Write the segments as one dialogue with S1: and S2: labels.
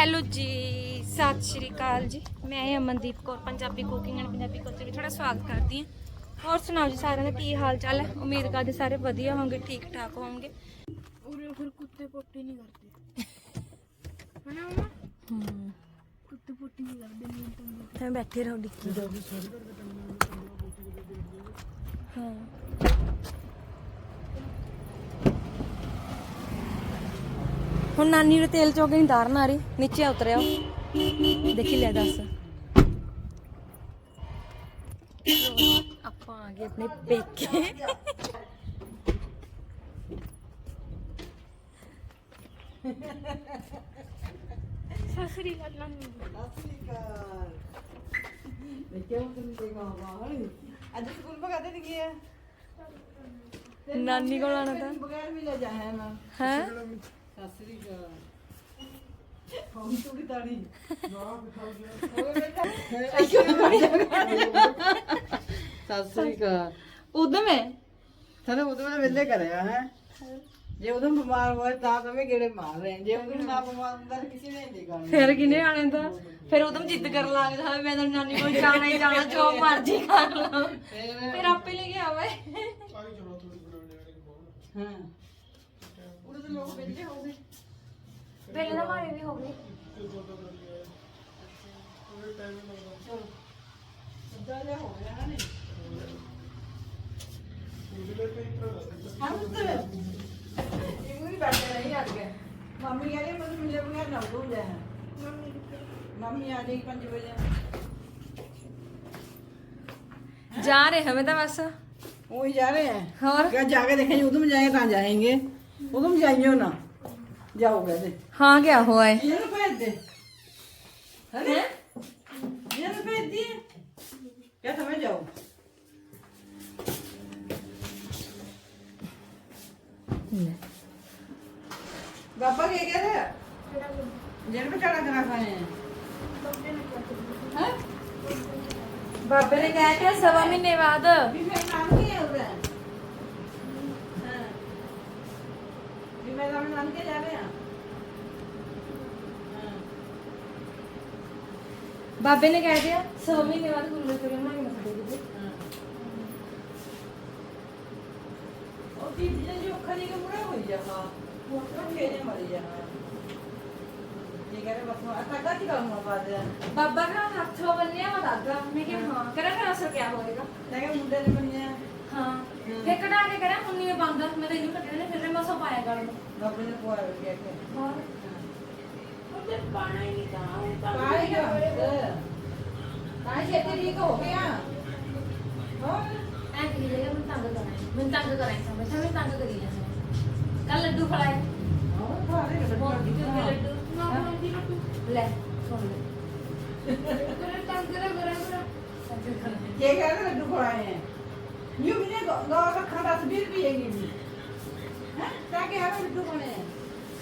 S1: Hello ਜੀ, ਸਤਿ ਸ਼੍ਰੀ ਅਕਾਲ ਜੀ। ਮੈਂ Amandeep Kaur Punjabi cooking and Punjabi culture ਵਿੱਚ ਤੁਹਾਡਾ ਸਵਾਗਤ ਕਰਦੀ ਹਾਂ। ਹੋਰ ਸੁਣਾਓ ਜੀ, ਸਾਰਿਆਂ ਦਾ ਕੀ ਹਾਲ ਚਾਲ ਹੈ? ਉਮੀਦ ਕਰਦੇ ਸਾਰੇ ਵਧੀਆ ਹੋਣਗੇ, ਠੀਕ ਠਾਕ ਹੋਣਗੇ।
S2: ਉਰੇ ਫਿਰ ਕੁੱਤੇ ਪੋਟੀ ਨਹੀਂ ਕਰਦੇ ਹਨਾ ਮਮਾ? ਕੁੱਤੇ ਪੋਟੀ ਨਹੀਂ ਕਰਦੇ ਨਹੀਂ ਤਾਂ
S1: ਮੈਂ ਬੈਠੇ ਰਹੋ ਡਿੱਕੀ ਹਾਂ। ਹੁਣ ਨਾਨੀ ਨੂੰ ਤੇਲ ਚੋ ਕੇ ਨਹੀਂ ਤਾਰਨ ਆ ਰਹੀ, ਨੀਚੇ ਉਤਰਿਆ ਦੇਖੀ ਲੈ ਦੱਸ। ਆਪਾਂ ਆ ਗਏ ਆਪਣੇ ਪੇਕੇ।
S2: ਸਸਰੀ ਗੱਲ ਨਾਨੀ
S3: ਅੱਜ ਸਕੂਲ ਪਕਾਤੇ ਨਹੀਂ ਗਿਆ
S1: ਨਾਨੀ ਕੋਲ ਆਣਾ ਤਾਂ
S3: ਬਗੈਰ ਵੀ ਲੈ ਜਾਇਆ ਨਾ
S1: ਹੈ।
S3: ਸਸਰੀ ਕਾ ਹੌਂ ਥੋੜੀ ਤਾੜੀ ਸਸਰੀ ਕਾ ਉਦਮ ਹੈ ਸਾਨੂੰ ਉਦਮ ਨੇ ਵੇਲੇ ਕਰਿਆ ਹੈ। ਜੇ ਉਦਮ ਬਿਮਾਰ ਹੋਇਆ ਤਾਂ ਤਵੇਂ ਗੇੜੇ ਮਾਰ ਰਹੇ, ਜੇ ਉਦਮ ਨਾ ਬਿਮਾਰ ਹੁੰਦਾ ਤਾਂ ਕਿਸੇ ਨੇ ਨਹੀਂ ਕਰਨਾ।
S1: ਫਿਰ ਕਿਨੇ ਆਣੇ ਤਾਂ ਫਿਰ ਉਦਮ ਜਿੱਦ ਕਰਨ ਲੱਗ ਜਾ, ਮੈਂ ਤਾਂ ਨਾਨੀ ਕੋਲ ਜਾਣਾ ਹੀ ਜਾਣਾ, ਜੋ ਮਰਜ਼ੀ ਕਰ ਲਾਂ। ਫਿਰ ਆਪੇ ਲੈ ਕੇ ਆਵੇ।
S3: ਹਾਂ ਉਹਦੇ ਤੇ ਲੋਕ ਵੇਲੇ ਹੋ ਗਏ,
S1: ਵੇਲੇ ਦਾ ਮਾਰੇ ਵੀ ਹੋ ਗਏ।
S3: ਸਿੱਧਾ ਜਿਹਾ ਹੋ ਗਿਆ ਨਾ ਹਾਂ ਪੁੱਤਰ ਇਹ ਵੀ ਬੈਠੇ ਨਹੀਂ ਆ ਗਏ। ਮੰਮੀ ਕਹਿੰਦੀ ਮੈਨੂੰ ਮਿਲੇ ਬਗੈਰ ਨਾ ਹੋ ਜਾਏ। ਮੰਮੀ ਆ ਜਾਏਗੀ 5 ਵਜੇ।
S1: जा रहे हमें तो बस
S3: वही जा रहे हैं
S1: और
S3: क्या जाके देखेंगे उधम जाएंगे कहाँ जाएंगे उधम जाइए ना जाओ कहते
S1: हाँ क्या हुआ है
S3: ये ना भेज दे अरे ये ना भेज दिए क्या समझ जाओ पापा क्या कह रहे हैं जेल में चढ़ा करा खाए हैं
S1: बाबे ने कहा था 1.5 महीने बाद
S3: भी फिर नाम नहीं है उधर हाँ भी मैं नाम के जा रहे हैं हाँ
S1: बाबे ने कह दिया 100 महीने बाद गुल्ले चोरी बना के मत दे
S3: ਉਹ ਚੀਜ਼ਾਂ ਜੋ ਖਰੀ ਕੇ ਮੁੜਾ ਹੋਈ ਜਾਵਾ ਮੋਟਰ ਖੇਜੇ ਮਰੀ ਜਾਵਾ ਇਹ ਕਰੇ ਬਸ ਅੱਗਾ ਕੀ ਕਰੂੰਗਾ ਬਾਅਦ
S1: बाबा का हाथों बनने मत आगा मैं क्या हाँ करा फिर असर क्या होएगा
S3: ਲੈ ਕੇ ਮੁੰਡੇ ਨੇ ਬੰਨਿਆ
S1: हाँ फिर कटा के करा मुन्नी में बंद मैं तो इन्हें कटने फिर मैं सब पाया कर
S3: ਬਾਬੇ ਨੇ ਪੁਆ ਕੇ ਕੇ
S1: और
S2: ਉਹਦੇ ਪਾਣਾ ਹੀ ਨਹੀਂ ਤਾਂ
S3: ਪਾਏਗਾ ਤਾਂ ਛੇਤੀ ਠੀਕ ਹੋ ਗਿਆ ਹੋਰ
S1: ऐ की जगह मैं तंग कराई समझ मैं तंग करी जाना कल लड्डू खिलाए
S3: ਹੋਰ ਸਾਰੇ
S1: लड्डू
S2: ਨਾ ਬਣਦੀ ਨਾ ਤੂੰ
S1: ले सुन ले
S2: ਕਰੇ ਤਾਂ ਕਰੇ
S3: ਕੀ ਕਹਿ ਰਹੇ ਲੱਡੂ ਖਵਾਏ ਹੈ ਯੂ ਵੀ ਨੇ ਗੌਰ ਰੱਖਣਾ 10-20 ਰੁਪਏ ਦੀ ਵੀ ਹੈ ਤਾਂ ਕਿ ਹਰ ਲੱਡੂ ਖਾਣੇ ਹੈ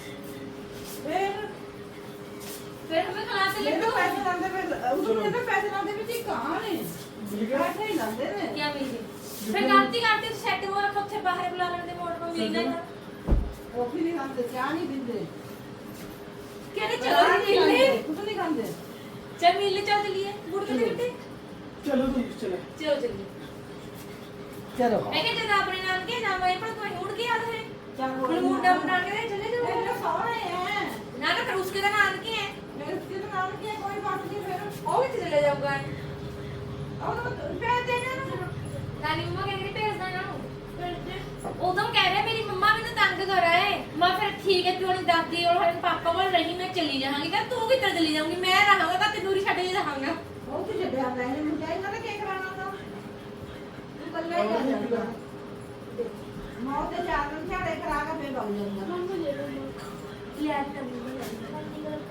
S1: फिर हमें खिला से
S3: ਲੱਡੂ
S1: लड्डू
S3: ਪੈਸੇ ਲਾਉਂਦੇ ਫਿਰ ਉਦੋਂ ਤੇ ਪੈਸੇ ਲਾਉਂਦੇ ਵਿੱਚ ਹੀ ਕਹਾਂ ਨੇ ਪੈਸੇ ਹੀ ਲਾਉਂਦੇ ਨੇ
S1: क्या मिली फिर गलती करते सेट हुआ ਉੱਥੇ ਬਾਹਰ ਬੁਲਾ ਲੈਂਦੇ ਮੋੜ ਕੋ ਮਿਲਣਾ ਹੀ
S3: ਕੌਫੀ ਨਹੀਂ ਖਾਂਦੇ ਚਾਹ ਨਹੀਂ ਪੀਂਦੇ
S1: ਕਹਿੰਦੇ ਚਲੋ ਮਿਲਨੇ
S3: ਕੁਝ ਨਹੀਂ ਖਾਂਦੇ
S1: चल मिलने चल चलिए बुड़ के बेटे
S3: ਚਲੋ ਤੁਸੀਂ ਚਲੋ
S1: चलो चलिए
S3: ਚਲੋ
S1: मैं कहते जब अपने नाम के नाम आए पर कोई उड़ के याद है
S3: क्या बोल
S1: फिर मुंडा मुंडा के चले
S3: मेरे
S1: जाओ
S3: सौरे हैं
S1: ना ना फिर उसके नाम के है
S3: मेरे उसके तो नाम की है कोई बात नहीं फिर
S1: वो भी चले जाऊंगा
S3: और तो पैसे देना ना
S1: नानी मम्मा कह रही भेज देना उदम कह रहे मेरी मम्मा मैंने तंग करा है मैं फिर ठीक है तू नहीं दादी और हम पापा को नहीं मैं चली जाऊंगी क्या तू किधर चली जाऊंगी मैं रहूंगा का तंदूरी छड़ के रहूंगा
S3: वो तो जब आप रहने में जाएगा ना क्या कराना था तू कल ले जाएगा मौत के चार दिन क्या लेकर आकर फिर भाग जाऊंगा
S2: ਮੰਮਾ ਲੈ ਲਓ
S1: यार तभी
S2: ਨਾਨੀ ਗੱਲ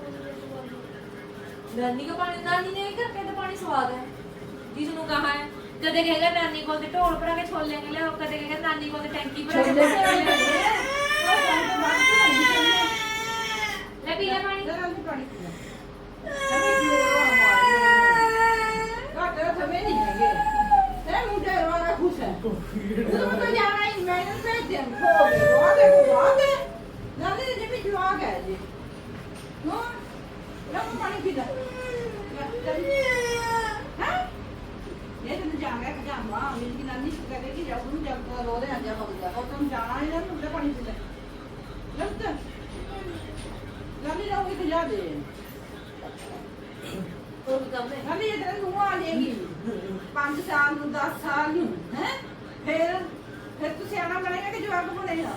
S1: नानी को पानी नानी ने घर पे तो पानी स्वाद है जिसनु कहा है कदे कहेगा नानी को ढोल भरा के छोले ले और कदे कहेगा नानी को टैंकी भरा के छोले ले पी ले पानी
S3: जरा भी पानी पीना अभी क्यों घाटे समय नहीं है तेरे मुझे रोना खुश है तो जाना ही मैंने भेज दिया हो गया ना ने भी जवाब है जी हां ਪਾਣੀ ਪੀ ਲੈ ਹਾਂ ਇਹ ਤੈਨੂੰ ਜਾਣਾ ਕਿ ਜਾਵਾ ਮੇਰੀ ਨਾਨੀ ਸ਼ੁਕਰ ਕਰੇ ਕਿ ਜਾਉ ਨੂੰ ਜਦ ਰੋ ਰਿਹਾ ਜਾ ਹੋ ਗਿਆ ਉਹ ਤੈਨੂੰ ਜਾਣਾ ਹੈ ਨਾ ਮੁੰਡੇ ਪਾਣੀ ਪੀ ਲੈ ਲੱਤ ਨਾਨੀ ਰਹੂਗੀ ਤੇ ਜਾ ਦੇ
S1: ਉਹ ਕੰਮ ਹੈ
S3: ਨਾਨੀ ਇਹ ਤੇਰੇ ਨੂੰ ਆ ਲੇਗੀ 5 ਸਾਲ ਨੂੰ 10 ਸਾਲ ਨੂੰ ਹੈ ਫਿਰ ਤੂੰ ਸਿਆਣਾ ਬਣੇਗਾ ਕਿ ਜਵਾਕ ਬਣੇਗਾ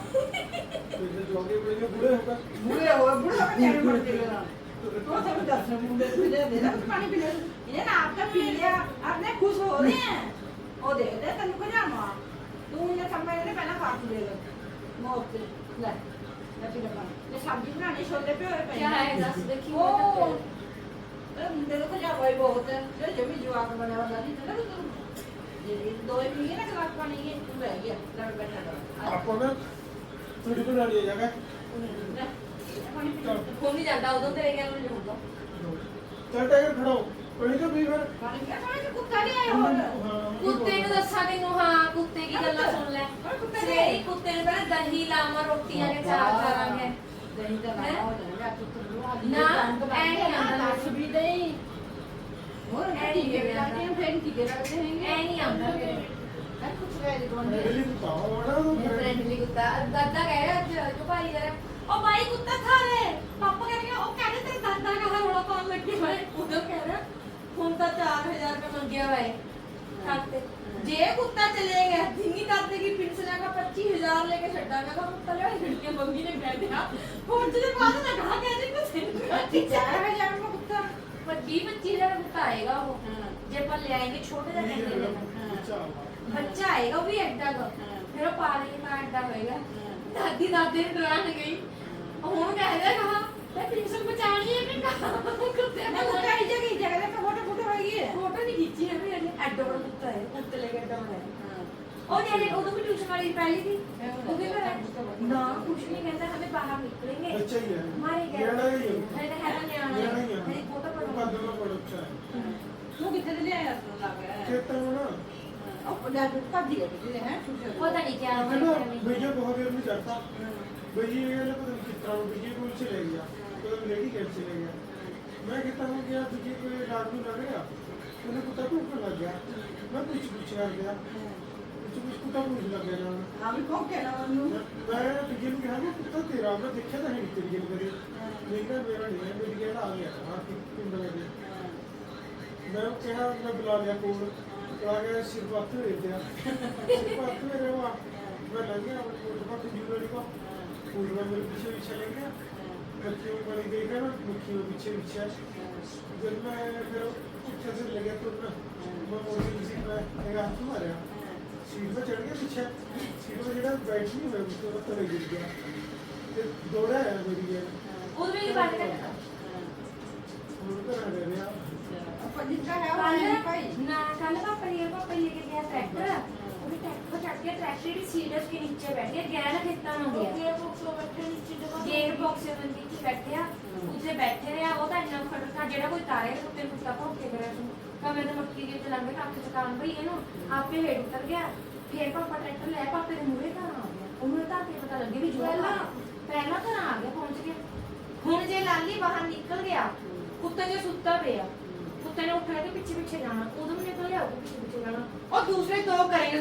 S3: ਬੁੜੇ ਹੋ ਕੇ ਨਿਆਣੇ ਬਣ ਜਾਏਗਾ तो सब दस मुंडे पीले दे ना पानी पी ले ये ना आपका पी लिया आपने खुश हो रहे हैं ओ दे दे तन्नू को जामा तू ये समय ने पहला काट देगा मौत से ले पी ले पानी ये सब्जी बनाने छोले पे होए
S1: क्या है दस देखी
S3: ओ मुंडे को जा भाई बहुत है जो जब भी जवाक बने वाला नहीं था ना तो ये दो ही पी ना गिलास पानी ये तू रह गया लड़ बैठा था
S4: आपको ना थोड़ी बना लिया जाएगा
S1: ਫੋਨ ਨਹੀਂ ਜਾਂਦਾ ਉਦੋਂ ਤੇਰੇ ਗੱਲ ਨਹੀਂ ਹੁੰਦਾ
S4: चल टाइगर खड़ा हो कहीं तो भी फिर
S3: पानी क्या पानी कुत्ता नहीं आया और
S1: ਕੁੱਤੇ ਨੂੰ ਦੱਸਾਂ ਤੈਨੂੰ ਹਾਂ ਕੁੱਤੇ ਕੀ ਗੱਲਾਂ ਸੁਣ ਲੈ ਸਵੇਰੇ ਕੁੱਤੇ ਨੂੰ ਪਹਿਲਾਂ ਦਹੀਂ ਲਾਵਾਂ ਰੋਟੀਆਂ ਦੇ ਚਾਰ ਕਰਾਂਗੇ
S3: दही का
S1: हैं?
S3: हो जाएगा तो तुम
S1: ना, ऐ नहीं आंदा।
S3: भी दही और
S1: ऐ
S3: ठीक
S1: नहीं
S3: है
S1: आंदा।
S3: बनाते हैं फिर ठीक है रखते हैं
S1: ਐ ਨਹੀਂ ਆਉਂਦਾ ਫਿਰ
S3: अरे कुछ रह दे कौन
S4: मेरे लिए तो पाओ ना तो
S1: ਇਹ ਫ੍ਰੈਂਡਲੀ ਕੁੱਤਾ ਦਾਦਾ ਕਹਿ ਰਿਹਾ ਅੱਜ ਜੋ ਭਾਈ ਜਰਾ ਉਹ ਭਾਈ ਕੁੱਤਾ ਖਾ ਰਹੇ ਪਾਪਾ ਕਹਿ ਰਹੇ ਉਹ ਕਹਿੰਦੇ ਤੇਰੇ ਦਾਦਾ ਕਹਾ ਰੋਲਾ ਪਾਉਣ ਲੱਗੇ ਹੋਏ ਉਦੋਂ ਕਹਿ ਰਿਹਾ ਹੁਣ ਤਾਂ 4000 ਰੁਪਏ ਮੰਗਿਆ ਹੋਇਆ ਹੈ ਖਾਤੇ ਜੇ ਕੁੱਤਾ ਚਲੇ ਗਿਆ ਜਿੰਨੀ ਦਾਦੇ ਕੀ ਪਿੰਸਲਾ ਦਾ 25000 ਲੈ ਕੇ ਛੱਡਾਂਗਾ ਤਾਂ ਕੁੱਤਾ ਲੈ ਹਿੜਕੇ ਮੰਗੀ ਨੇ ਕਹਿ ਦਿਆ ਹੁਣ ਜਿਹਦੇ ਬਾਅਦ ਨਾ ਕਹਾ ਗਿਆ ਜੀ ਕੁੱਤੇ
S3: 4000 में कुत्ता
S1: 25,000 ਕੁੱਤਾ ਆਏਗਾ ਉਹ ਜੇ ਆਪਾਂ ਲੈ ਆਏਗੇ ਛੋਟੇ ਜਿਹਾ ਕਹਿੰਦੇ ਨੇ ਬੱਚਾ ਆਏਗਾ ਉਹ ਵੀ ਐਡਾ ਦਾ ਫਿਰ ਉਹ ਪਾਣੀ ਦਾ ਐਡਾ ਹੋਏਗਾ ਦਾਦੀ ਦਾਦੇ ਨੂੰ ਡਰਾਣ ਗਈ ਹੁਣ ਕਹਿ ਰਿਹਾ ਕਹਾ ਮੈਂ ਪਿੰਸਲ ਬਚਾਣੀ ਹੈ ਕਿ ਨਾ ਕੁੱਤੇ
S3: मैं कुत्ता ही जगह पे फोटो फोटो हो गई है
S1: ਫੋਟੋ ਨਹੀਂ ਖਿੱਚੀ ਹੈ ਵੀ ਐਡਾ ਬੜਾ ਕੁੱਤਾ ਹੈ ਕੁੱਤੇ ਲੈ ਕੇ ਐਡਾ ਬੜਾ ਹੈ ਉਹ ਜਿਹੜੇ ਉਦੋਂ ਵੀ ਟਿਊਸ਼ਨ ਵਾਲੀ ਪਹਿਲੀ थी वो भी कर ना कुछ नहीं कहता हमें बाहर निकलेंगे
S4: बच्चा ही है
S1: हमारे
S4: लेना ही है
S1: है है ना
S4: लेना ही है
S1: मेरी फोटो
S4: वो
S1: पढ़ो
S4: कर देना पड़ अच्छा है
S3: तू कितने ले आया तू लग रहा है
S4: खेतों में ना
S3: अब जा तू कब दिया तुझे हैं
S1: पता नहीं क्या
S4: है ना भैया बहुत देर में चढ़ता भैया ये ना पता नहीं किस तरह भैया को चले गया तो लेडी कैब चले गया मैं कहता हूँ गया भैया को रात में लग गया मैंने कुत्ता को ऊपर लग गया मैं कुछ कर गया कुछ कुत्ता पूछ लग गया ना
S3: हम कौन कहना मनु
S4: मैं भैया ने कहा कि कुत्ता तेरा मैं देखा था नहीं तेरी गेम करी लेकिन मेरा नहीं है मेरी गेम आ गया था पिंड में मैं कहा मैं बुला लिया कोल बुला के सिर बात दे दिया सिर बात मेरे वहाँ मैं लग गया अपने कोट का जूलरी का कोट में मेरे पीछे पीछे लग गया मक्खियों में बड़ी देखा ना मक्खियों पीछे पीछे जब मैं फिर पीछे से लगे तो ना मैं मोटी किसी में एक हाथ मारा सीट पे चढ़ गया पीछे सीट पे जरा बैठ नहीं मैं उसको तले गिर गया फिर दौड़ा है मेरी गेम
S1: उधर भी बात करता
S4: उनको ना दे रहा
S3: अपन जिसका है वो नहीं पाई
S1: ना कल पापा लेके गया ट्रैक्टर वो भी ट्रैक्टर पर चढ़ के ट्रैक्टर की सीट के नीचे बैठ गया गहरा खेता में हो गया गेयर बॉक्स में नीचे बैठे ਉੱਥੇ ਬੈਠੇ ਰਿਹਾ ਉਹ ਤਾਂ ਇੰਨਾ ਫਟਕਾ ਜਿਹੜਾ ਕੋਈ ਤਾਰੇ ਕੁੱਤੇ ਨੂੰ ਕੁੱਤਾ ਭੌਂਕ ਕੇ ਕਰਿਆ ਤੂੰ ਕਮੇ ਤੇ ਮੱਕੀ ਦੇ ਚਲਾਂਗੇ ਕੱਖ ਚਕਾਨ ਭਈ ਇਹਨੂੰ ਆਪੇ ਹੇਠ ਉਤਰ ਗਿਆ ਫਿਰ ਪਾਪਾ ਟਰੈਕਟਰ ਲੈ ਪਾਪੇ ਦੇ ਮੂਹਰੇ ਘਰ ਆ ਗਿਆ ਉਹਨੂੰ ਤਾਂ ਕੇ ਪਤਾ ਲੱਗੇ ਵੀ ਜੋ ਪਹਿਲਾਂ ਘਰ ਆ ਗਿਆ ਪਹੁੰਚ ਗਿਆ ਹੁਣ ਜੇ ਲਾਲੀ ਬਾਹਰ ਨਿਕਲ ਗਿਆ ਕੁੱਤੇ ਦੇ ਸੁੱਤਾ ਪਿਆ ਕੁੱਤੇ ਨੇ ਉੱਠ ਕੇ ਪਿੱਛੇ ਪਿੱਛੇ ਜਾਣਾ ਉਦੋਂ ਵੀ ਨਿਕਲ ਲਿਆ ਪਿੱਛੇ ਪਿੱਛੇ ਜਾਣਾ ਉਹ ਦੂਸਰੇ ਦੋ ਕਰੇ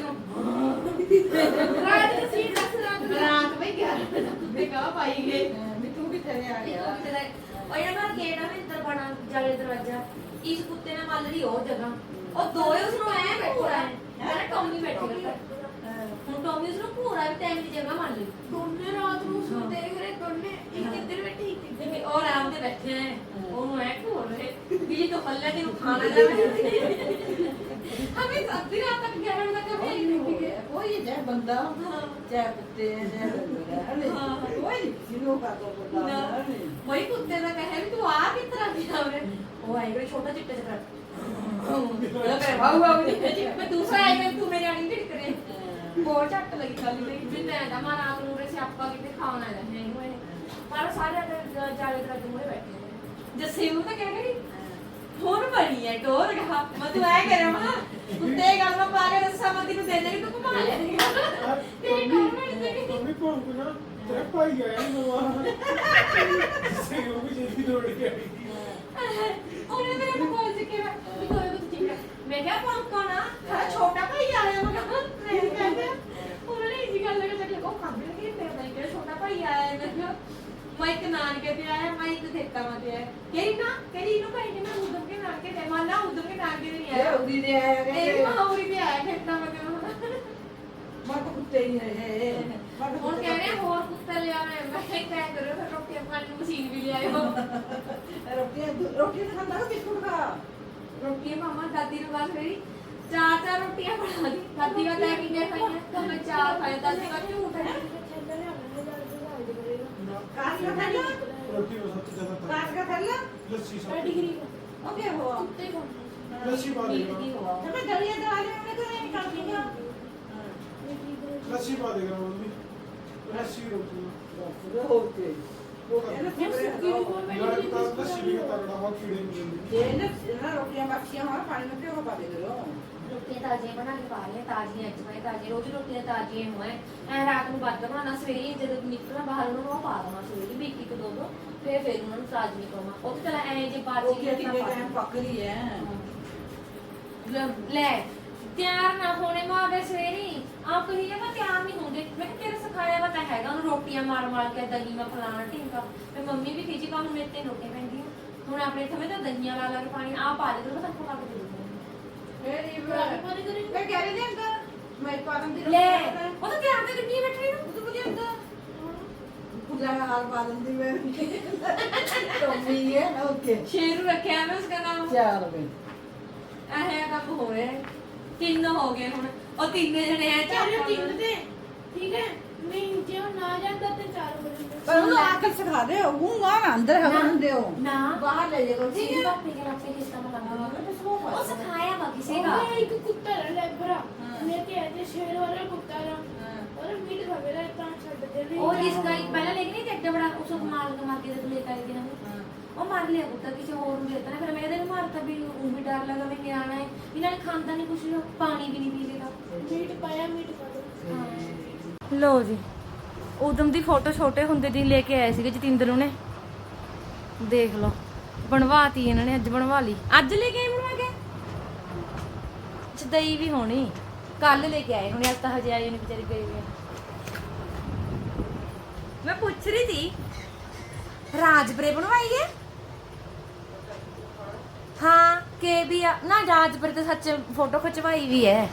S1: ਉਹਨੂੰ ਰਾਤ ਦੀ ਸੀਟ ਰਾਤ ਬਈ 11 ਵਜੇ ਕੁੱਤੇ ਕਾ ਪਾਈ ਗਏ
S3: तू भी चले आ गया
S1: ਉਹ ਇਹਨਾਂ ਦਾ ਗੇਟ ਆ ਅੰਦਰ ਬਣਾ ਜਾਲੇ ਦਰਵਾਜ਼ਾ ਇਸ ਕੁੱਤੇ ਨੇ ਮੱਲ ਲਈ ਉਹ ਜਗ੍ਹਾ ਉਹ ਦੋਏ ਉਸ ਨੂੰ ਐ ਬੈਠਾ ਹੈ ਕਹਿੰਦਾ ਟੌਮੀ ਬੈਠੇਗਾ ਹੁਣ ਟੌਮੀ ਉਸ ਨੂੰ ਪੂਰਾ ਵੀ ਟਾਈਮ ਦੀ ਜਗ੍ਹਾ ਮੰਨ ਲਈ
S2: ਦੋਨੇ ਰਾਤ ਨੂੰ ਸੁਣਦੇ ਰਹੇ ਦੋਨੇ ਇੱਕ ਇੱਧਰ ਬੈਠੇ ਇੱਕ ਇੱਧਰ
S1: ਜਿਵੇਂ ਉਹ ਆਰਾਮ ਤੇ ਬੈਠੇ ਹੈ ਉਹਨੂੰ ਐ ਘੋਰ ਰਹੇ ਵੀ ਜੀ ਤੋਂ ਹੱਲੇ ਤੇ ਖਾਣਾ ਜਾਵੇ ਹਮੇ ਅੱਧੀ ਰਾਤ ਤੱਕ 11 ਵਜੇ ਤੱਕ ਵੀ ਨਹੀਂ ਗਏ
S3: कोई चाहे बंदा चाहे कुत्ते चाहे कोई किसी का तो बंदा
S1: वही कुत्ते ਦਾ ਕਹੇ ਵੀ ਤੂੰ ਆ ਕਿਸ ਤਰ੍ਹਾਂ ਦੀ ਆਵੇ ਉਹ ਆਏਗਾ ਛੋਟਾ ਚਿੱਟਾ ਜਿਹਾ ਉਹ ਕਹੇ ਵਾਹ ਵਾਹ ਮੈਂ ਦੂਸਰਾ ਆਏਗਾ ਤੂੰ ਮੇਰੇ ਆਣੀ ਢਿੱਕ ਕਰੇ ਬਹੁਤ ਝੱਟ ਲੱਗੀ ਖਾਲੀ ਤੇ ਵੀ ਮੈਂ ਦਾ ਮਾਂ ਰਾਤ ਨੂੰ ਰੇ ਸਿਆਪਾ ਕਿਤੇ ਖਾਣ ਆਇਆ ਹੈ ਇਹਨੂੰ ਪਰ ਸਾਰੇ ਜਾਲੇ ਦਰਵਾਜ਼ੇ ਮੂਹਰੇ ਬੈਠੇ ਨੇ ਜੱਸੇ ਨੂੰ ਤਾਂ ਕਹਿ ਗਈ ਹੁਣ ਬਣੀ ਹੈ ਡੋਰ ਗਾ ਮੈਂ ਤੂੰ ਐ ਕਰਿਆ ਮਾ ਕੁੱਤੇ ਗੱਲ ਮੈਂ ਪਾ ਕੇ ਦੱਸਾਂ ਮੈਂ ਤੈਨੂੰ ਦੇ ਦੇਣੀ ਤੂੰ ਘੁਮਾ ਲੈ ਤੇਰੀ ਡੋਰ ਬਣੀ ਤੇ
S4: मम्मी को ना तेरा भाई आया नवा से वो भी जल्दी दौड़ के आई
S1: ਉਹਨੇ ਮੇਰੇ ਨੂੰ ਬੋਲ ਕੇ ਵੀ ਕੋਈ ਕੁਝ ਠੀਕ ਹੈ ਮੈਂ ਕਿਹਾ ਪੰਕਾ ਨਾ ਤੇਰਾ ਛੋਟਾ ਭਾਈ ਆਇਆ ਮੈਂ ਕਿਹਾ ਮੈਂ ਕਹਿੰਦਾ ਉਹਨਾਂ ਨੇ ਇਸੀ ਗੱਲ ਲਗਾ ਕਿ ਉਹ ਖਾਂਦੇ ਨੇ ਕਿ ਮੈਂ ਕਿਹਾ ਛੋਟਾ ਭਾਈ ਆਇਆ ਹੈ। ਮੈਂ ਕਿਹਾ ਮੈਂ ਇੱਕ ਨਾਨਕੇ ਤੇ ਆਇਆ ਮੈਂ ਇੱਕ ਦੇਖਤਾ ਮੈਂ ਤੇ ਆਇਆ ਕਿਹੜੀ ਨੂੰ ਭਾਈ ਨੇ ਮੈਂ ਉਦਮ ਕੇ ਨਾਨਕੇ ਤੇ ਮਾਨਾ ਉਦਮ ਕੇ ਨਾਨਕੇ ਤੇ ਨਹੀਂ
S3: ਇਹ
S1: ਆਇਆ
S3: ਉਹਦੀ ਨੇ ਆਇਆ
S1: ਇਹ ਮਾਹੌਰੀ ਤੇ ਆਇਆ ਖੇਤਾਂ ਮੈਂ ਕਿਹਾ
S3: ਮੈਂ ਤਾਂ ਕੁੱਤੇ ਹੀ ਹੈ
S1: ਹੁਣ ਕਹਿ ਰਹੇ ਹੋਰ ਕੁੱਤਾ ਲਿਆ ਮੈਂ ਕਿਹਾ ਕਰੋ ਫਿਰ ਰੋਟੀ ਖਾਣ ਨੂੰ ਮਸ਼ੀਨ ਵੀ ਲਿਆਇਓ
S3: ਰੋਟੀ ਤਾਂ ਖਾਂਦਾ ਬਿਸਕੁਟ ਖਾ
S1: ਰੋਟੀਆਂ ਮਾਮਾ ਦਾਦੀ ਨੂੰ ਬਾਅਦ ਮੇਰੀ ਚਾਰ ਰੋਟੀਆਂ ਬਣਾ ਦੀ ਦਾਦੀ ਦਾ ਲੈ ਕੇ ਗਏ ਖਾਈਆਂ ਤਾਂ ਮੈਂ ਚਾਰ ਖਾਏ ਦਾਦੀ ਦਾ ਝੂਠ ਹੈ
S3: ਕਾਸ का खा लो
S4: रोटी में सबसे ज्यादा था
S3: कास का खा लो
S4: लस्सी सब
S1: डिग्री
S3: ओके हुआ
S4: लस्सी पा देगा
S3: जब मैं दलिया दवा ले मैंने तो नहीं कर दिया
S4: लस्सी पा देगा मम्मी लस्सी रोटी में
S3: ओके
S4: लड़का लस्सी भी खाता रहा बहुत कीड़े मिलेंगे
S3: ये ना रोटियां बाकियां हमारा पानी में क्यों पा दे रहे हो
S1: ਰੋਟੀਆਂ ਤਾਜ਼ੀਆਂ ਬਣਾ ਕੇ ਪਾ ਰਹੀਆਂ ਤਾਜ਼ੀਆਂ ਅੱਜ ਮੈਂ ਤਾਜ਼ੀ ਰੋਜ਼ ਰੋਟੀਆਂ ਤਾਜ਼ੀਆਂ ਹੋਏ ਐ ਰਾਤ ਨੂੰ ਵੱਧ ਬਣਾਉਣਾ ਸਵੇਰੇ ਜਦੋਂ ਨਿਕਲਣਾ ਬਾਹਰ ਉਹਨਾਂ ਨੂੰ ਉਹ ਪਾ ਦੇਣਾ ਸਵੇਰੇ ਵੀ ਇੱਕ ਦੋ ਫਿਰ ਉਹਨਾਂ ਨੂੰ ਤਾਜ਼ੀ ਪਾਉਣਾ ਉਹ ਤੇ ਚਲਾ ਐ ਜੇ ਬਾਅਦ
S3: ओके कितने टाइम पक रही है
S1: ਲੈ ਤਿਆਰ ਨਾ ਹੋਣੇ ਮਾਵੇ ਸਵੇਰੇ ਆਪ ਕਹੀ ਜਾ ਮੈਂ ਤਿਆਰ ਨਹੀਂ ਹੁੰਦੇ ਮੈਂ ਕਿਹਾ ਤੇਰੇ ਸਿਖਾਇਆ ਵਾ ਤਾਂ ਹੈਗਾ ਉਹਨੂੰ ਰੋਟੀਆਂ ਮਾਰ ਕੇ ਦਹੀਂ ਮੈਂ ਫਲਾਣਾ ਢਿੰਕਾ ਤੇ ਮੰਮੀ ਵੀ ਖਿਜੀ ਕੰਮ ਮੇਰੇ ਤੇ ਰੋਟੀਆਂ ਪੈਂਦੀਆਂ ਹੁਣ ਆਪਣੇ ਥਵੇਂ ਤਾਂ ਦਹੀਂਆਂ ਲਾ ਕੇ ਪਾਣੀ ਆ ਪਾ ਦੇ ਤਾਂ ਸਭ ਪਾ ਕੇ ਦੇ
S3: मैं कह रही थी अंदर मैं पादम दी
S1: ਲੈ ਉਹ ਤਾਂ ਤਿਆਰ ਤੇ ਗੱਡੀ ਬੈਠੀ ਨੂੰ
S3: तू मुझे अंदर पूजा का हाल पादम दी में टॉमी है ओके
S1: ਸ਼ੇਰੂ ਰੱਖਿਆ ਮੈਂ ਉਸਦਾ ਨਾਮ
S3: चल बे
S1: ਇਹ ਕੰਮ ਹੋ ਰਿਹਾ ਹੈ। ਤਿੰਨ ਹੋ ਗਏ ਹੁਣ ਉਹ ਤਿੰਨੇ ਜਣੇ ਐ
S2: ਚਾਰੇ ਤਿੰਨ ਤੇ ਠੀਕ ਹੈ ਮੈਂ ਜੇ ਉਹ ਨਾ ਜਾਂਦਾ ਤੇ 4 ਵਜੇ
S3: पर उन्हें आकर सिखा दे हूं वहां अंदर हवा दे हो
S1: ਨਾ
S3: बाहर ले जाओ
S1: ਠੀਕ
S3: ठीक
S1: ਹੈ
S3: है
S1: ਪਾਪੇ ਕੇ ਰੱਖੇ ਕਿਸ ਤਰ੍ਹਾਂ ਲਗਾ ਉਹ ਸਿਖਾਇਆ ਵਾ ਕਿਸੇ ਦਾ
S2: ਉਹ ਇੱਕ ਕੁੱਤਾ ਲੈਬਰਾ ਮੈਂ ਤੇ ਐਦੇ ਸ਼ੇਰ ਵਾਲਾ ਕੁੱਤਾ ਰਾ ਔਰ ਮੀਟ ਖਾਵੇਲਾ ਤਾਂ ਛੱਡ ਦੇ ਨਹੀਂ
S1: ਉਹ ਜਿਸ ਦਾ ਪਹਿਲਾਂ ਲੈ ਕੇ ਨਹੀਂ ਚੱਡਾ ਬੜਾ ਉਸ ਨੂੰ ਮਾਰ ਕੇ ਤੇ ਲੈ ਕੇ ਦਿਨਾਂ ਉਹ ਮਾਰ ਲਿਆ ਕੁੱਤਾ ਕਿਸੇ ਹੋਰ ਨੂੰ ਦੇਤਾ ਨਾ ਫਿਰ ਮੈਂ ਇਹਦੇ ਨੂੰ ਮਾਰਤਾ ਵੀ ਉਹ ਵੀ ਡਰ ਲੱਗਾ ਵੀ ਨਿਆਣਾ ਹੈ ਇਹਨਾਂ ਨੇ ਖਾਂਦਾ ਨਹੀਂ ਕੁਛ ਪਾਣੀ ਵੀ ਨਹੀਂ ਪੀਵੇਗਾ
S2: ਮੀਟ ਪਾਇਆ ਮੀਟ ਪਾ ਦੋ
S1: ਲੋ ਜੀ ਉਦਮ ਦੀ ਫੋਟੋ ਛੋਟੇ ਹੁੰਦੇ ਦੀ ਲੈ ਕੇ ਆਏ ਸੀਗੇ ਜਤਿੰਦਰ ਨੇ ਦੇਖ ਲਓ ਬਣਵਾਤੀ ਇਹਨਾਂ ਨੇ ਅੱਜ ਬਣਵਾ ਲਈ ਅੱਜ ਲੈ ਕੇ ਆਏ ਬਣਵਾ ਕੇ ਚਦਈ ਵੀ ਹੋਣੀ ਕੱਲ ਲੈ ਕੇ ਆਏ ਹੁਣ ਅੱਜ ਤਾਂ ਹਜੇ ਆਏ ਨੇ ਵਿਚਾਰੇ ਗਏ ਵੇ ਮੈਂ ਪੁੱਛ ਰਹੀ ਸੀ ਰਾਜਪੁਰੇ ਬਣਵਾਈ ਹੈ ਹਾਂ ਕੇ ਵੀ ਆ ਨਾ ਰਾਜਪੁਰੇ ਤੇ ਸੱਚ ਫੋਟੋ ਖਿਚਵਾਈ ਵੀ ਹੈ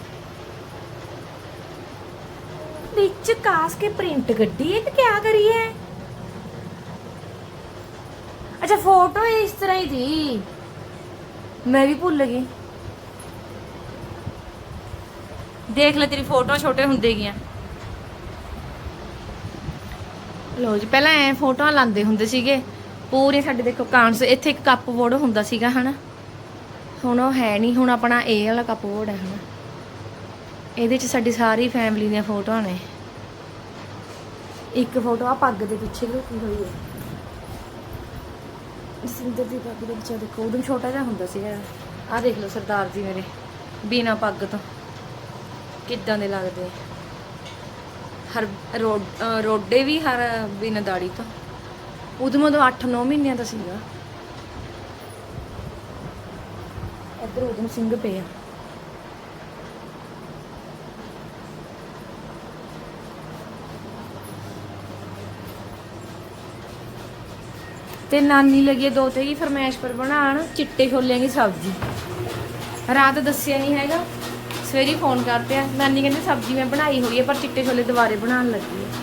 S1: ਵਿੱਚ ਕਾਸ ਕੇ ਪ੍ਰਿੰਟ ਗੱਡੀ ਹੈ ਤੇ ਕੀ ਕਰੀ ਹੈ ਅੱਛਾ ਫੋਟੋ ਇਸ ਤਰ੍ਹਾਂ ਹੀ ਥੀ ਮੈਂ ਵੀ ਭੁੱਲ ਗਈ ਦੇਖ ਲੈ ਤੇਰੀ ਫੋਟੋ ਛੋਟੇ ਹੁੰਦੇ ਗਈਆਂ ਲੋ ਜੀ ਪਹਿਲਾਂ ਐ ਫੋਟੋਆਂ ਲਾਉਂਦੇ ਹੁੰਦੇ ਸੀਗੇ ਪੂਰੇ ਸਾਡੇ ਦੇਖੋ ਕਾਂਸ ਇੱਥੇ ਇੱਕ ਕੱਪ ਬੋਰਡ ਹੁੰਦਾ ਸੀਗਾ ਹਨਾ ਹੁਣ ਉਹ ਹੈ ਨਹੀਂ ਹੁਣ ਆਪਣਾ ਇਹ ਵਾਲਾ ਕੱਪ ਬੋਰਡ ਹੈ ਹਨਾ ਇਹਦੇ ਚ ਸਾਡੀ ਸਾਰੀ ਫੈਮਿਲੀ ਦੀਆਂ ਫੋਟੋਆਂ ਨੇ ਇੱਕ ਫੋਟੋ ਆ ਪੱਗ ਦੇ ਪਿੱਛੇ ਲੁਕੀ ਹੋਈ ਹੈ ਸਿੰਦਰ ਦੀ ਪੱਗ ਦੇ ਪਿੱਛੇ ਦੇਖੋ ਉਦੋਂ ਛੋਟਾ ਜਿਹਾ ਹੁੰਦਾ ਸੀਗਾ ਆ ਦੇਖ ਲਓ ਸਰਦਾਰ ਜੀ ਮੇਰੇ ਬਿਨਾ ਪੱਗ ਤੋਂ ਕਿੱਦਾਂ ਦੇ ਲੱਗਦੇ ਆ ਹਰ ਰੋਡੇ ਵੀ ਹਰ ਬਿਨਾ ਦਾੜੀ ਤੋਂ ਉਦੋਂ 8-9 ਮਹੀਨਿਆਂ ਦਾ ਸੀਗਾ ਇੱਧਰ ਉਦੋਂ ਸਿੰਘ ਪਿਆ ਤੇ ਨਾਨੀ ਲੱਗੀ ਦੋ ਤੇ ਹੀ ਫਰਮਾਇਸ਼ ਪਰ ਬਣਾਉਣ ਚਿੱਟੇ ਛੋਲਿਆਂ ਦੀ ਸਬਜ਼ੀ ਰਾਤ ਦੱਸਿਆ ਨਹੀਂ ਹੈਗਾ ਸਵੇਰੇ ਫੋਨ ਕਰ ਪਿਆ ਨਾਨੀ ਕਹਿੰਦੀ ਸਬਜ਼ੀ ਮੈਂ ਬਣਾਈ ਹੋਈ ਹੈ ਪਰ ਚਿੱਟੇ ਛੋਲੇ ਦੁਬਾਰੇ ਬਣਾਉਣ ਲੱਗੀ ਹੈ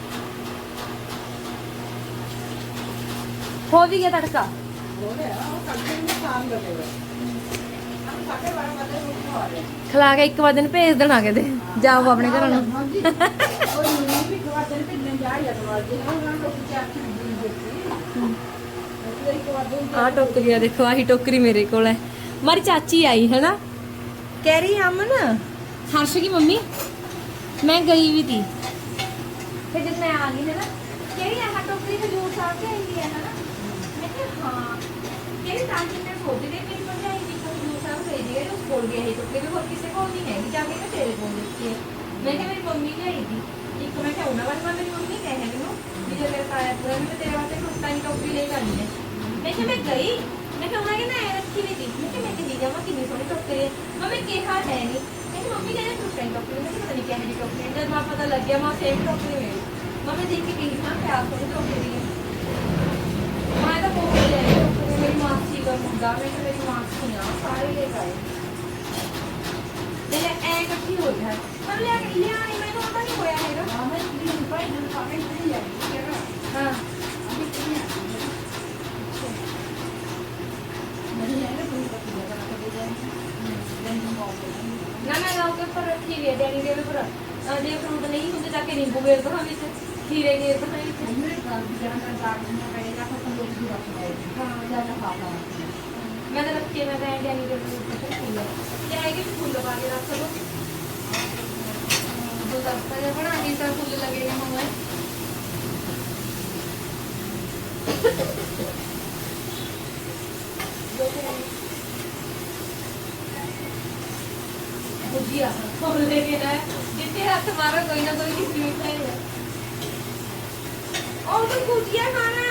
S1: ਹੋ ਵੀ ਗਿਆ ਤੜਕਾ
S3: हो गया वो कल में काम करेगा हम साढ़े 12 बजे उठ आ रहे हैं
S1: ਖਲਾ ਕੇ 1 ਵਜੇ ਨੂੰ ਭੇਜ ਦੇਣਾ ਕਿਤੇ ਜਾਓ ਆਪਣੇ ਘਰਾਂ ਨੂੰ
S3: हाँ जी और यूं भी खवा देने पे नहीं जा या तो आज ना ना लोग क्या चीज देखती एक बार दो
S1: ਆਹ ਟੋਕਰੀ ਆ ਦੇਖੋ ਆਹੀ ਟੋਕਰੀ ਮੇਰੇ ਕੋਲ ਹੈ ਮਾਰੀ ਚਾਚੀ ਆਈ ਹੈ ਨਾ ਕਹਿ ਰਹੀ ਅਮਨ ਹਰਸ਼ ਦੀ ਮੰਮੀ ਮੈਂ ਗਈ ਵੀ ਤੀ ਫਿਰ ਜਦ ਮੈਂ ਆ ਗਈ ਹੈ ਨਾ ਕਹਿ ਰਹੀ ਆਹ ਟੋਕਰੀ ਹਜੂਰ ਸਾਹਿਬ ਕੇ ਆਈ ਹੈ ਨਾ ਮੈਂ ਕਿਹਾ ਹਾਂ ਕਹਿ ਰਹੀ ਤਾਂ ਕਿ ਮੈਂ ਸੋਚਦੀ ਰਹੀ ਮੇਰੀ ਭਰਜਾਈ ਦੀ ਹਜੂਰ ਸਾਹਿਬ ਭੇਜ ਗਏ ਉਸ ਕੋਲ ਗਏ ਇਹ ਟੋਕਰੀ ਹੋਰ ਕਿਸੇ ਕੋਲ ਨਹੀਂ ਹੈਗੀ ਜਾ ਕੇ ਮੈਂ ਤੇਰੇ ਕੋਲ ਦੇਖੀ ਹੈ ਮੈਂ ਕਿਹਾ ਮੇਰੀ ਮੰਮੀ ਲਿਆਈ ਦੀ ਇੱਕ ਮੈਂ ਕਿਹਾ ਉਹਨਾਂ ਵਾਲੀ ਮੇਰੀ ਮੰਮੀ ਕਹੇ ਮੈਨੂੰ ਵੀ ਜੇ ਮੇਰੇ ਤਾਇਆ ਪੂਰਾ ਮੈਂ ਤੇਰੇ ਵਾਸਤੇ ਕੁੱਤਾ ਦੀ ਟੋਕਰੀ ਲੈ ਕੇ ਆਣੀ ਹੈ ਮੈਂ ਕਿਹਾ ਮੈਂ ਗਈ ਮੈਂ ਕਿਹਾ ਉਹਨਾਂ ਕਹਿੰਦਾ ਐ ਰੱਖੀ ਨਹੀਂ ਸੀ ਮੈਂ ਕਿਹਾ ਜਾਵਾਂ ਕਿੰਨੀ ਸੋਹਣੀ ਟੋਕਰੀ ਹੈ ਮੰਮੀ ਕਿਹਾ ਹੈ ਨਹੀਂ ਕਹਿੰਦੀ ਮੰਮੀ ਕਹਿੰਦੇ ਟੁੱਟਣ ਟੋਕਰੀ ਮੈਂ ਕਿਹਾ ਪਤਾ ਨਹੀਂ ਕਿਹੜੀ ਟੋਕਰੀ ਜਦ ਮੈਂ ਪਤਾ ਲੱਗਿਆ ਮੈਂ ਸੇਮ ਟੋਕਰੀ ਮਿਲੀ ਮੰਮੀ ਦੇਖ ਕੇ ਕਹੀ ਹਾਂ ਪਿਆਰ ਸੋਹਣੀ ਟੋਕਰੀ ਹੈ ਮੈਂ ਤਾਂ ਬਹੁਤ ਲੈ ਲਈ ਟੋਕਰੀ ਮੇਰੀ ਮਾਸੀ ਦਾ ਮੁੰਡਾ ਮੇਰੀ ਮਾਸੀ ਆ ਸਾਰੇ ਲੈ ਗਏ ਤੇ ਐ ਇਕੱਠੀ ਹੋ ਗਿਆ ਪਰ ਲਿਆ ਨਹੀਂ ਮੈਨੂੰ ਪਤਾ ਨਹੀਂ ਹੋਇਆ ਹੈਗਾ
S3: ਹਾਂ ਮੈਂ ਵੀ ਭਾਈ ਨੂੰ ਪਾਵੇ ਨਹੀਂ ਲਿਆ
S1: ਹਾਂ
S3: ਅਭੀ ਕਿੰਨੇ ਨਹੀਂ ਹੈ ਕੋਈ ਪਤਾ ਨਹੀਂ ਕਰਾ ਕੇ ਦੇ
S1: ਨਾ ਮੈਂ ਲਾਉ ਕੇ ਉੱਪਰ ਖੀਰੇ ਡੈਡੀ ਦੇ ਉੱਪਰ ਜੇ ਫਰੂਟ ਨਹੀਂ ਹੁੰਦੇ ਤਾਂ ਕਿ ਨਿੰਬੂ ਗੇਰ ਦੋ ਵਿੱਚ ਖੀਰੇ ਗੇਰ ਦੋ ਵਿੱਚ
S3: ਮੇਰੇ ਘਰ ਦੀ ਜਾਨ ਦਾ ਕਾਰਡ ਨੂੰ ਪਏਗਾ ਤਾਂ ਕੋਈ ਵੀ ਰੱਖਦਾ ਹੈ ਹਾਂ ਜਿਆਦਾ ਖਾਤਾ
S1: ਮੈਂ ਤਾਂ ਰੱਖੇ ਮੈਂ ਤਾਂ ਡੈਡੀ ਦੇ ਉੱਪਰ ਫੁੱਲ ਜਾਏਗੀ ਫੁੱਲ ਪਾ ਕੇ ਰੱਖ ਲਓ ਦੋ ਦਸਤਾ ਜਿਹਾ ਬਣਾ ਕੇ ਤਾਂ ਫੁੱਲ ਲੱਗੇਗਾ ਮੰਮਾ बुझिया और लेके ना जितने हाथ मारो कोई ना कोई किसी में खाएगा और तो गुजिया खाना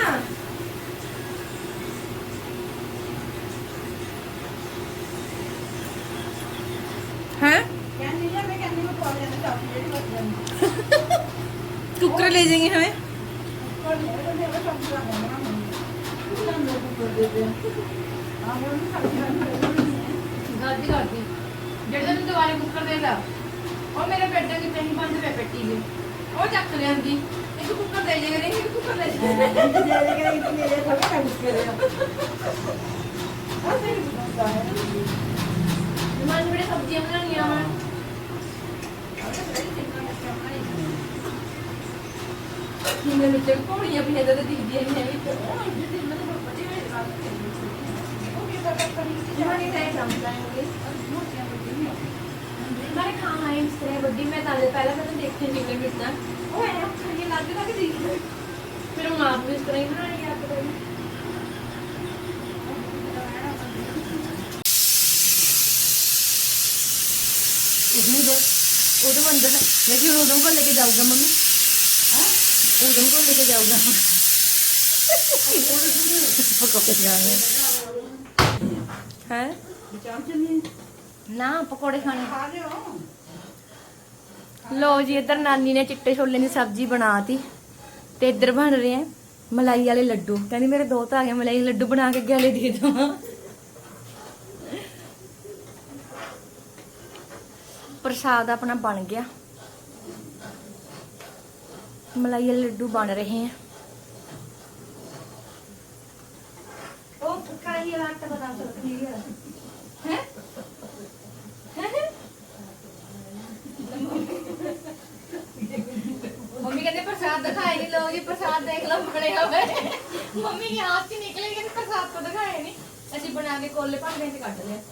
S1: हैं
S3: ਕਹਿੰਦੀ ਹੈ ਮੈਂ ਕਹਿੰਦੀ ਮੈਂ ਕੋਲ ਜਾਣਾ ਚਾਹੀਦੀ ਹੈ ਬਸ
S1: कुकर ले जाएंगे हमें
S3: ਕੋਲ ਮੇਰੇ ਮੇਰੇ ਸਭ ਦਾ ਬਣਾ ਮੈਂ ਤਾਂ ਲੋਕ ਕਰ ਦੇ ਦੇ ਆ ਮੈਂ ਨਹੀਂ ਖਾਂਦੀ
S1: गादी गादी जेड़े दिन दोबारा कुकर दे ला और मेरे पेट की नहीं बंद पे पेटी गई और चक ले आंदी एक कुकर दे जाएगा नहीं एक कुकर ले जाएगा
S3: ਦੇ ਦੇਗਾ ਇਹ ਮੇਰੇ ਥੋੜਾ ਕੰਮ ਕਰੇ ਆ ਸਹੀ ਬਤਾ ਹੈ
S1: मन बड़े सब्जियां बनानी है मैं मिर्च पौड़ियां भी है तो दीदी है भी तो मैं खाना है इस तरह बड़ी मैं ताले पहले मैंने देखे नहीं मिलता वो है खाने लागे लागे दी फिर हम आप भी इस तरह ही बनानी है आपको उधम अंदर देखिए उधम को लेके जाऊंगा मम्मी उधम को लेके जाऊंगा पकौड़े खाने हैं ना पकौड़े खाने
S3: ਖਾ ਲਿਓ
S1: लो जी इधर नानी ने चिट्टे छोले की सब्जी बनाती ते इधर बन रहे हैं मलाई वाले लड्डू कहनी मेरे दो तो आ गए मलाई लड्डू बना के गले दे दो प्रसाद अपना बन गया मलाई वाले लड्डू बन रहे हैं ओ कढ़ाई वाला आटा बता सकती है मम्मी कहते प्रसाद दिखाए नहीं लो जी प्रसाद देख लो बने हुए मम्मी के हाथ से निकले लेकिन प्रसाद को दिखाए नहीं असि बना के कोले भांडे च कट लिया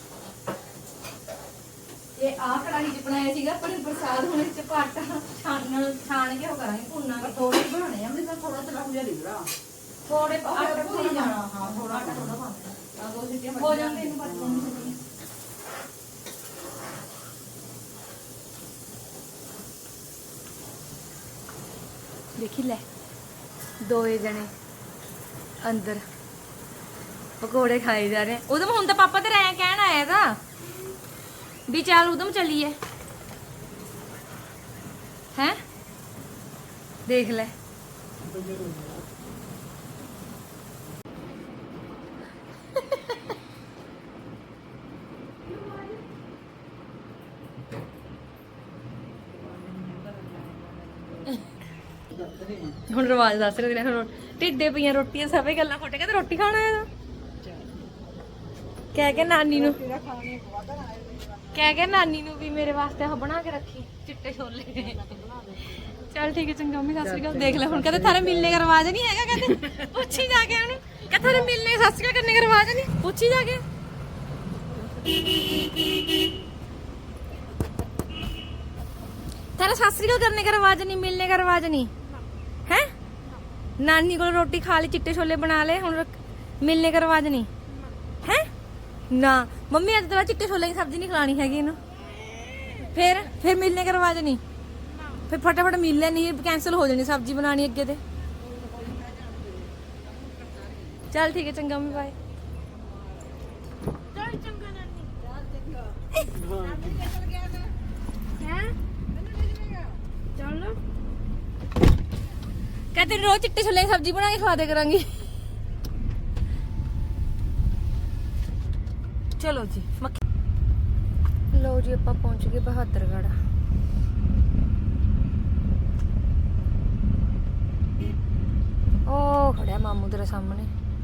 S1: ये आ कढ़ाई च बनाया सीगा पर प्रसाद हुन इस च आटा छान के हो करांगे भुनना के
S3: ਥੋੜੇ ਬਣਾਣੇ ਆ ਮੈਂ ਥੋੜਾ ਤਲਾ ਹੋ ਜਾਏਗਾ
S1: थोड़े आटा
S3: ਭੁੱਲ
S1: भुन
S3: ਜਾਣਾ
S1: जाना
S3: ਹਾਂ ਥੋੜਾ
S1: आटा थोड़ा पाना
S3: ਆ ਦੋ ਸਿੱਟੀਆਂ
S1: हो जाते इन बातों देखी ले दोए जने अंदर पकौड़े खाए जा रहे हैं उधम हुन तो पापा तेरा ऐ कहन आया था भी चल उधम चलिए हैं देख ले ਹੁਣ ਰਵਾਜ ਦੱਸ ਰਹੇ ਨੇ ਢਿੱਡੇ ਪਈਆਂ ਰੋਟੀਆਂ ਸਭੇ ਗੱਲਾਂ ਖੋਟੇ ਕਹਿੰਦੇ ਰੋਟੀ ਖਾਣਾ ਹੈ ਕਹਿ ਕੇ ਨਾਨੀ ਨੂੰ ਕਹਿ ਕੇ ਨਾਨੀ ਨੂੰ ਵੀ ਮੇਰੇ ਵਾਸਤੇ ਉਹ ਬਣਾ ਕੇ ਰੱਖੀ ਚਿੱਟੇ ਛੋਲੇ चल ठीक है चंगा मम्मी सत श्री अकाल देख ले हुन कहते थारे मिलने का रिवाज नहीं हैगा कहते पूछी जाके उन्हें कहते थारे मिलने सत श्री अकाल करने का रिवाज नहीं पूछी जाके थारे सत श्री अकाल करने का रिवाज नहीं मिलने का रिवाज नहीं है नानी को रोटी खा ली चिट्टे छोले बना ले हुन मिलने का रिवाज नहीं है ना मम्मी अज तो चिट्टे छोले की सब्जी नहीं खिलानी हैगी इन्हू फिर मिलने का रिवाज नहीं फिर फटाफट मिलने नहीं कैंसिल हो जानी सब्जी बनानी अगे ते चल ठीक है चंगा मम्मी बाय
S2: ਹੈ ਚੱਲ
S1: ਕਹਿੰਦੇ ਰੋਜ਼ ਚਿੱਟੇ ਛੋਲੇ ਦੀ ਸਬਜ਼ੀ ਬਣਾ ਕੇ ਖਵਾ ਦੇ ਕਰਾਂਗੀ। ਚਲੋ ਜੀ ਲਓ ਜੀ ਆਪਾਂ ਪਹੁੰਚ ਗਏ ਬਹਾਦਰਗੜ੍ਹ। ਉਹ ਖੜਿਆ ਮਾਮੂ ਤੇਰੇ ਸਾਹਮਣੇ।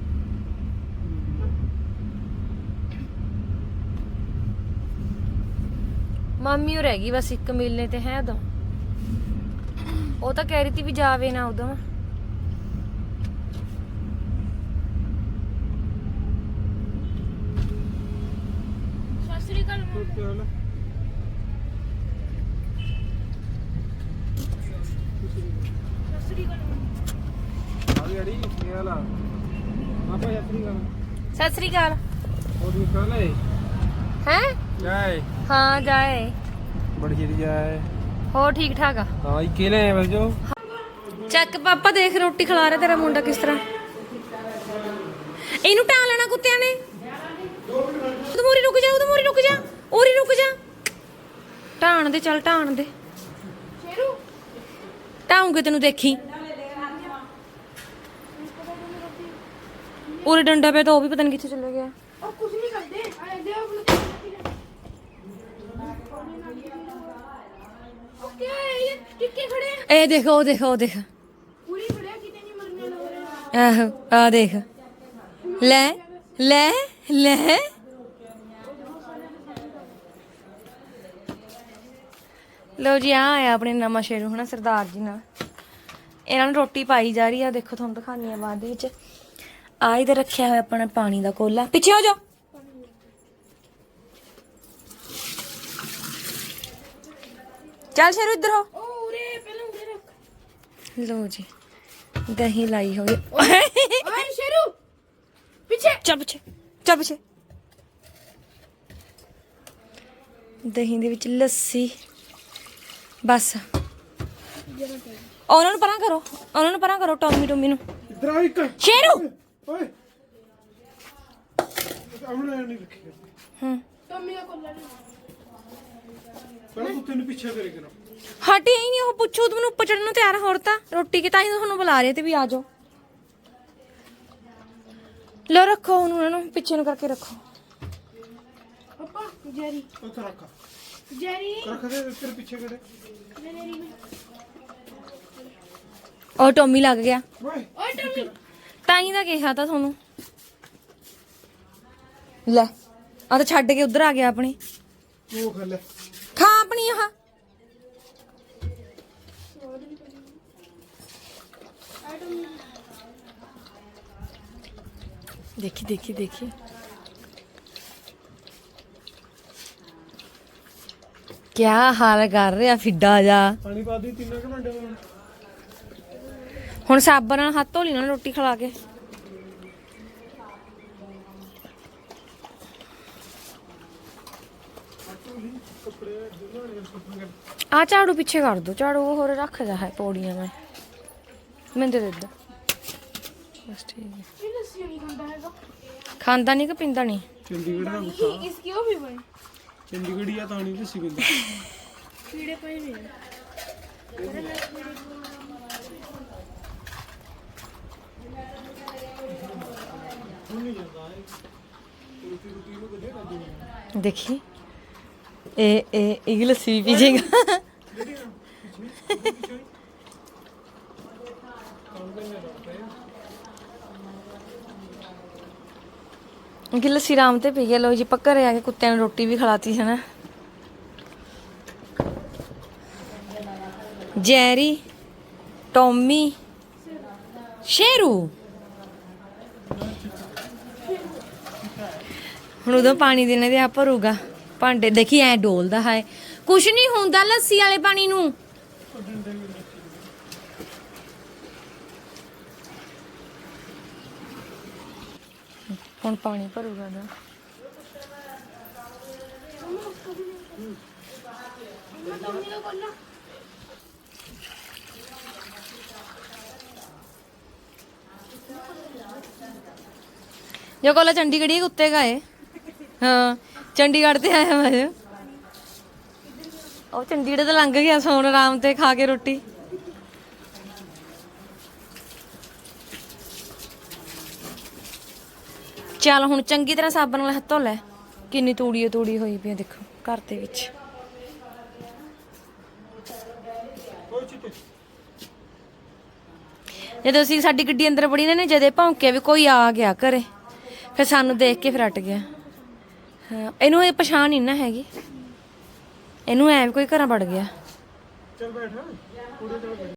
S1: ਮਾਮੀ ਉਹ ਰਹਿ ਗਈ ਬਸ ਇੱਕ ਮਿਲਨੇ ਤੇ ਹੈ ਉਦੋਂ। ਉਹ ਤਾਂ ਕਹਿ ਰਹੀ ਤੀ ਵੀ ਜਾਵੇ ਨਾ ਉਦੋਂ।
S2: ਸਤਿ ਸ੍ਰੀ ਅਕਾਲ ਮੰਮੀ। ਸਤਿ ਸ੍ਰੀ ਅਕਾਲ ਮੰਮੀ।
S4: ਆ ਗਈ ਕੀ ਹਾਲ ਆ ਆਪਾਂ ਯਾਤਰੀ ਕਰ
S1: ਸਤਿ ਸ੍ਰੀ ਅਕਾਲ।
S4: ਉਹ ਵੀ ਕਰ ਲੈ
S1: ਹੈ
S4: ਜਾਏ
S1: ਹਾਂ ਜਾਏ।
S4: ਬੜੀ ਜਿਹੜੀ ਜਾਏ
S1: ਹੋਰ ਠੀਕ ਠਾਕ ਆ?
S4: ਹਾਂ ਇਹ ਕਿਲੇ ਆ ਬਸ ਜੋ
S1: ਚੱਕ ਪਾਪਾ ਦੇਖ ਰੋਟੀ ਖਿਲਾ ਰਿਹਾ ਤੇਰਾ ਮੁੰਡਾ ਕਿਸ ਤਰ੍ਹਾਂ। ਇਹਨੂੰ ਟਾਂ ਲੈਣਾ ਕੁੱਤਿਆਂ ਨੇ। ਤੂੰ ਮੂਰੀ ਰੁਕ ਜਾ, ਉਹਦੇ ਮੂਰੀ ਰੁਕ ਜਾ, ਉਰੀ ਰੁਕ ਜਾ। ਢਾਣ ਦੇ ਚੱਲ ਢਾਣ ਦੇ।
S2: ਸ਼ੇਰੂ
S1: ਢਾਉਂਗੇ ਤੈਨੂੰ ਦੇਖੀ। ਉਰੇ ਡੰਡਾ ਪਿਆ ਤਾਂ ਉਹ ਵੀ ਪਤਾ ਨਹੀਂ ਕਿੱਥੇ ਚਲੇ ਗਿਆ।
S2: ਉਹ ਕੁਝ ਨਹੀਂ ਕਰਦੇ ਆ ਦੇ ਆਪਣੇ ਓਕੇ ਇਹ ਟਿੱਕੇ ਖੜੇ
S1: ਇਹ ਦੇਖ ਉਹ ਦੇਖ ਉਹ ਦੇਖ।
S2: ਪੂਰੀ ਖੜਿਆ ਕਿਤੇ ਨਹੀਂ ਮਰਨੇ ਵਾਲਾ।
S1: ਆਹੋ ਆ ਦੇਖ ਲੈ ਲੈ ਲੈ। ਲਓ ਜੀ ਆ ਆਇਆ ਆਪਣੇ ਨਵਾਂ ਸ਼ੇਰੂ ਹਨਾ ਸਰਦਾਰ ਜੀ ਨਾਲ। ਇਹਨਾਂ ਨੂੰ ਰੋਟੀ ਪਾਈ ਜਾ ਰਹੀ ਆ। ਦੇਖੋ ਤੁਹਾਨੂੰ ਦਿਖਾਉਂਦੀ ਆ ਬਾਅਦ ਦੇ ਵਿੱਚ। ਆ ਇਧਰ ਰੱਖਿਆ ਹੋਇਆ ਆਪਣਾ ਪਾਣੀ ਦਾ ਕੋਲਾ। ਪਿੱਛੇ ਹੋ ਜਾ। ਚੱਲ ਸ਼ੇਰੂ ਇੱਧਰ ਹੋ।
S2: ਉਹ ਉਰੇ ਪਹਿਲਾਂ ਉਰੇ ਰੱਖ।
S1: ਲਓ ਜੀ ਦਹੀਂ ਲਾਈ ਹੋਈ।
S2: ਓਏ ਸ਼ੇਰੂ ਪਿੱਛੇ
S1: ਚੱਲ ਪਿੱਛੇ ਚੱਲ ਪਿੱਛੇ। ਦਹੀਂ ਦੇ ਵਿੱਚ ਲੱਸੀ ਬਸ। ਉਹਨਾਂ ਨੂੰ ਪਰਾਂ ਕਰੋ, ਉਹਨਾਂ ਨੂੰ ਪਰਾਂ ਕਰੋ। ਟੋਮੀ ਟੋਮੀ ਨੂੰ।
S4: ਇਧਰ ਆ ਇੱਕ
S1: ਸ਼ੇਰੂ
S4: ਓਏ ਅਮਣਾ ਨਹੀਂ ਰੱਖੀ
S1: ਹੂੰ
S2: ਟੋਮੀ ਦਾ ਕੋਲਾ ਨਹੀਂ
S4: ਪਹਿਲਾਂ ਤੂੰ ਤੈਨੂੰ ਪਿੱਛੇ ਕਰੇ ਕਰਾਂ
S1: ਹਟੇ ਹੀ ਨਹੀਂ ਉਹ। ਪੁੱਛੋ ਤੂੰ ਮੈਨੂੰ ਉੱਪਰ ਚੜਨ ਨੂੰ ਤਿਆਰ ਹੋਰ ਤਾਂ ਰੋਟੀ ਕਿ ਤਾਂ ਹੀ ਤੁਹਾਨੂੰ ਬੁਲਾ ਰਹੇ ਤੇ ਵੀ ਆ ਜਾਓ। ਲੋ ਰੱਖੋ ਉਹਨੂੰ, ਉਹਨਾਂ ਨੂੰ ਪਿੱਛੇ ਨੂੰ ਕਰਕੇ ਰੱਖੋ।
S2: ਪਾਪਾ ਜੈਰੀ
S4: ਉੱਥੇ ਰੱਖ
S2: ਜੈਰੀ
S4: ਰੱਖ ਦੇ ਤੇਰੇ ਪਿੱਛੇ ਕਰੇ
S2: ਜੈਰੀ
S1: ਉਹ ਟੋਮੀ ਲੱਗ ਗਿਆ।
S4: ਓਏ
S2: ਓਏ ਟੋਮੀ
S1: ਤਾਂ ਹੀ ਤਾਂ ਕਿਹਾ ਤਾਂ ਤੁਹਾਨੂੰ। ਲੈ ਆ ਤਾਂ ਛੱਡ ਕੇ ਉਧਰ ਆ ਗਿਆ ਆਪਣੀ।
S4: ਉਹ ਖਾ ਲੈ
S1: ਖਾ ਆਪਣੀ ਆਹ। ਦੇਖੀ ਦੇਖੀ ਦੇਖੀ। ਕਿਆ ਹਾਲ ਕਰ ਰਿਹਾ ਫਿੱਡਾ ਜਾ।
S4: ਪਾਣੀ ਪਾ ਦੀ 3 ਘੰਟੇ ਬਾਅਦ
S1: ਹੁਣ ਸਾਬਣ ਨਾਲ ਹੱਥ ਧੋ ਲਈ ਨਾ ਰੋਟੀ ਖਿਲਾ ਕੇ। ਆ ਝਾੜੂ ਪਿੱਛੇ ਕਰ ਦੋ। ਝਾੜੂ ਉਹ ਹੋਰ ਰੱਖਦਾ ਹੈ ਪੌੜੀਆਂ ਮੈਂ। ਮੈਨੂੰ ਦੇ ਦੇ। ਬਸ ਠੀਕ ਹੈ।
S2: ਇਹ ਲੱਸੀ ਨਹੀਂ ਖਾਂਦਾ ਹੈਗਾ।
S1: ਖਾਂਦਾ ਨਹੀਂ ਕਿ ਪੀਂਦਾ ਨਹੀਂ।
S4: ਚੰਡੀਗੜ੍ਹ ਦਾ
S2: ये इसकी वो भी बने
S4: ਚੰਡੀਗੜ੍ਹ ਆ ਤਾਂ ਨਹੀਂ ਦੱਸੀ ਬੰਦਾ
S2: कीड़े पे भी है
S1: देखी ये लस्सी भी पीजेगा। कि लस्सी राम ते पी गया। लो जी पक्का घरे आके कुत्ते ने रोटी भी खिलाती है ना। जैरी टॉमी शेरू ਹੁਣ ਉਦੋਂ ਪਾਣੀ ਦੇਣੇ ਤੇ ਆ ਭਰੂਗਾ ਭਾਂਡੇ। ਦੇਖੀ ਐ ਡੋਲਦਾ ਹੈ। ਕੁਛ ਨਹੀਂ ਹੁੰਦਾ ਲੱਸੀ ਵਾਲੇ ਪਾਣੀ ਨੂੰ। ਹੁਣ ਪਾਣੀ ਭਰੂਗਾ ਨਾ। जो कोला चंडीगढ़ ही कुत्ते का है। हाँ चंडीगढ़ से आया मैं।
S5: ਉਹ ਚੰਡੀਗੜ੍ਹ ਤੋਂ ਲੰਘ ਗਿਆ ਸੋਣ ਆਰਾਮ ਤੇ ਖਾ ਕੇ ਰੋਟੀ। ਚੱਲ ਹੁਣ ਚੰਗੀ ਤਰ੍ਹਾਂ ਸਾਬਣ ਨਾਲ ਹੱਥ ਧੋ ਲੈ। ਕਿੰਨੀ ਤੂੜੀ ਹੋਈ ਪਈ ਆ ਦੇਖੋ ਘਰ ਦੇ ਵਿੱਚ। ਜਦੋਂ ਅਸੀਂ ਸਾਡੀ ਗੱਡੀ ਅੰਦਰ ਵੜੀ ਨੇ ਜਦੇ ਭੌਂਕਿਆ ਵੀ ਕੋਈ ਆ ਗਿਆ ਘਰੇ, ਫਿਰ ਸਾਨੂੰ ਦੇਖ ਕੇ ਫਿਰ ਹਟ ਗਿਆ। ਹਾਂ ਇਹਨੂੰ ਇਹ ਪਛਾਣ ਨਹੀਂ ਨਾ ਹੈਗੀ, ਇਹਨੂੰ ਐ ਵੀ ਕੋਈ ਘਰਾਂ ਵੜ ਗਿਆ।
S4: ਚੱਲ ਬੈਠ